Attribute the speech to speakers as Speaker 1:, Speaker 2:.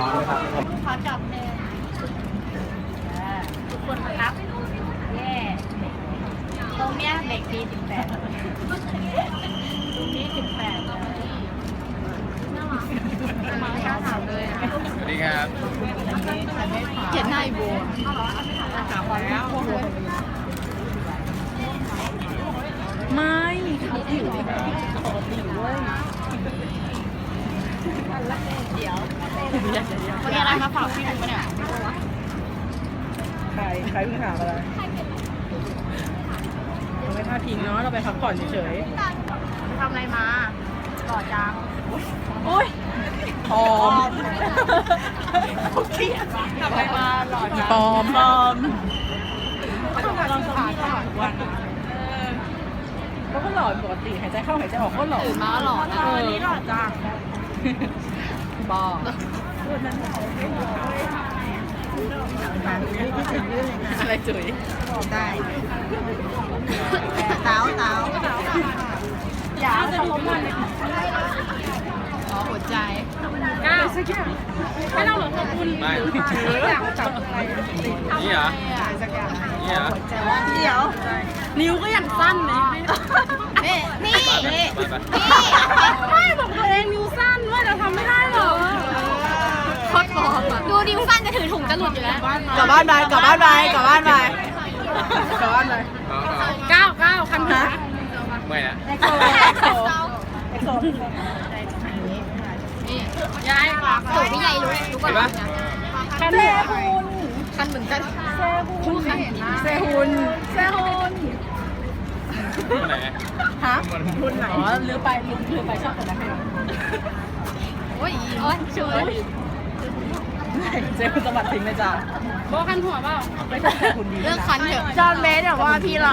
Speaker 1: ขอจับเลยทุกคนครับแย่ตรงเนี้ยเด็กดี18ตรงนี้18เลยมาไม่กล้าถามเลย
Speaker 2: สวัสดีครับ
Speaker 1: เขียนหน้าอีโบถามแล้ว
Speaker 3: ไม่เขาผิวปกติเว้ย
Speaker 1: เดี๋ยววันนี้อะไรมาฝากพี่ลุงปะเนี่ย
Speaker 3: ใครเพิ่งถามอะไรเราไม่พลาดพิงเนาะเราไปพักผ่อนเฉย
Speaker 1: ทำอะไรมาหล่อจัง
Speaker 3: ๆโอ๊ยปลอม
Speaker 1: ทำอะไรมาหล่อจัง
Speaker 3: ปลอม
Speaker 1: เขาทำงานลองขาตลอดวัน
Speaker 3: เขาก็หล่อปกติหายใจเข้าหายใจออกก็หล่อ
Speaker 1: ตื่นมาหล่อนะวันนี้หล่อจัง
Speaker 3: บ้าอะไรจุ๋ย
Speaker 1: ได้เต้าอย่าเอาเขามาเลยอ๋อหัวใจ
Speaker 3: ก้าวสักอย่างให้เราหลงขอบคุณ
Speaker 2: ไม่
Speaker 3: อยากจับอะไร
Speaker 2: นี่เหรอ นี่เหรอ
Speaker 1: เดี๋ยว
Speaker 3: นิ้วก็ยังสั้นเลย
Speaker 1: นี่
Speaker 2: ไปไป
Speaker 3: ไม่บอกตัวเองนิ้วสั้นว่าจะทำไม่ได้หรอ
Speaker 1: โคตรปลอมอ่ะดูนิ้วสั้นจะถือถุงจะหลุดอยู่แล้ว
Speaker 3: กลับบ้านไปกลับบ้านไปกลับบ้านไปกลับบ้านไป ก้าวคันหา
Speaker 2: เมื่อยนะ
Speaker 3: เอ็กโซ
Speaker 1: นี่
Speaker 3: ยาย
Speaker 1: โอ้พี่ใหญ่รู้ก่อนนะ
Speaker 3: คันเซฮุน
Speaker 1: คันเหมือนกัน
Speaker 3: เซฮุน
Speaker 2: เมื่อไหร่
Speaker 3: ฮะรุ่นไหนอ๋อลืมไปชอบกดนะคะ
Speaker 1: โอ้ยช่วย
Speaker 3: เซฮุนสวัสดิ์ทิ้งเลยจ้ะโบคันหัวเปล่าไม่ใช่เซฮุนดี
Speaker 1: เลิกคันเถอะ
Speaker 3: จอห์นเบสบอกว่าพี่เรา